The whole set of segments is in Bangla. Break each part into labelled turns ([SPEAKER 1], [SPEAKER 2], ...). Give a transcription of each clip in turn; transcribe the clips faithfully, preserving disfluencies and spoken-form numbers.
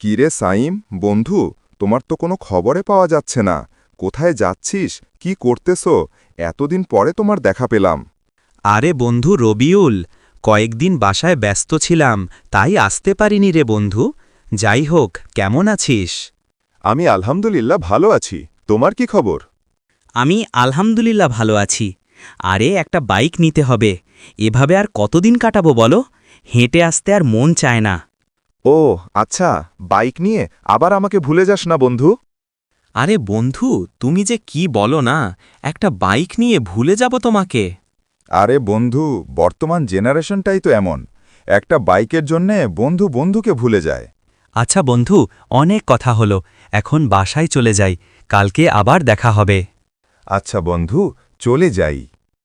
[SPEAKER 1] কিরে সাইম, বন্ধু, তোমার তো কোনো খবরে পাওয়া যাচ্ছে না। কোথায় যাচ্ছিস, কি করতেছো? এতদিন পরে তোমার দেখা পেলাম।
[SPEAKER 2] আরে বন্ধু রবিউল, কয়েকদিন বাসায় ব্যস্ত ছিলাম, তাই আসতে পারিনি রে বন্ধু। যাই হোক, কেমন আছিস?
[SPEAKER 1] আমি আলহামদুলিল্লাহ ভালো আছি। তোমার কি খবর?
[SPEAKER 2] আমি আলহামদুলিল্লাহ ভালো আছি। আরে একটা বাইক নিতে হবে। এভাবে আর কতদিন কাটাবো বলো? হেঁটে আসতে আর মন চায় না।
[SPEAKER 1] ও আচ্ছা, বাইক নিয়ে আবার আমাকে ভুলে যাস না বন্ধু।
[SPEAKER 2] আরে বন্ধু, তুমি যে কি বলো না, একটা বাইক নিয়ে ভুলে যাব তোমাকে?
[SPEAKER 1] আরে বন্ধু, বর্তমান জেনারেশনটাই তো এমন। একটা বাইকের জন্যে বন্ধু বন্ধুকে ভুলে যায়।
[SPEAKER 2] আচ্ছা বন্ধু, অনেক কথা হলো, এখন বাসায় চলে যাই, কালকে আবার দেখা হবে।
[SPEAKER 1] আচ্ছা বন্ধু, চলে যাই।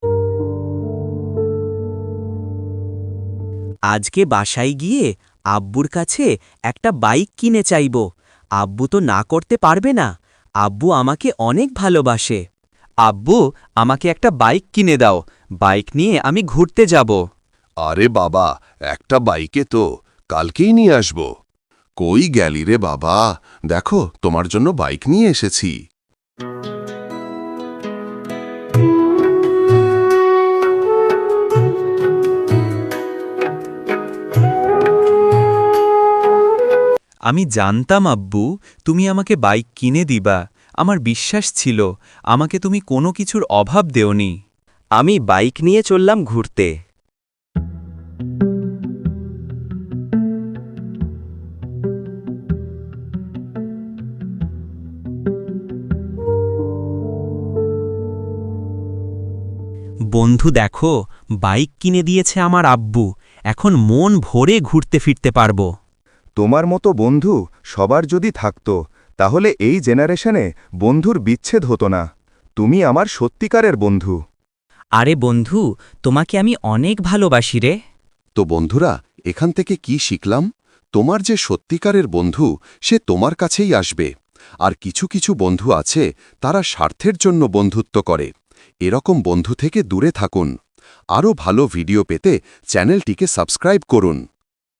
[SPEAKER 2] আজকে বাসায় গিয়ে আব্বুর কাছে একটা বাইক কিনে চাইব। আব্বু তো না করতে পারবে না। আব্বু আমাকে অনেক ভালোবাসে। আব্বু, আমাকে একটা বাইক কিনে দাও। বাইক নিয়ে আমি ঘুরতে যাব।
[SPEAKER 3] আরে বাবা, একটা বাইকে তো কালকেই নিয়ে আসব। কই গেলি রে বাবা? দেখো, তোমার জন্য বাইক নিয়ে এসেছি।
[SPEAKER 2] আমি জানতাম আব্বু, তুমি আমাকে বাইক কিনে দিবা। আমার বিশ্বাস ছিল, আমাকে তুমি কোনো কিছুর অভাব দেওনি। আমি বাইক নিয়ে চললাম ঘুরতে। বন্ধু দেখো, বাইক কিনে দিয়েছে আমার আব্বু। এখন মন ভরে ঘুরতে ফিরতে পারবো।
[SPEAKER 1] তোমার মতো বন্ধু সবার যদি থাকত, তাহলে এই জেনারেশনে বন্ধুর বিচ্ছেদ হতো না। তুমি আমার সত্যিকারের বন্ধু।
[SPEAKER 2] আরে বন্ধু, তোমাকে আমি অনেক ভালোবাসি রে।
[SPEAKER 3] তো বন্ধুরা, এখান থেকে কি শিখলাম? তোমার যে সত্যিকারের বন্ধু, সে তোমার কাছেই আসবে। আর কিছু কিছু বন্ধু আছে, তারা স্বার্থের জন্য বন্ধুত্ব করে। এরকম বন্ধু থেকে দূরে থাকুন। আরও ভালো ভিডিও পেতে চ্যানেলটিকে সাবস্ক্রাইব করুন।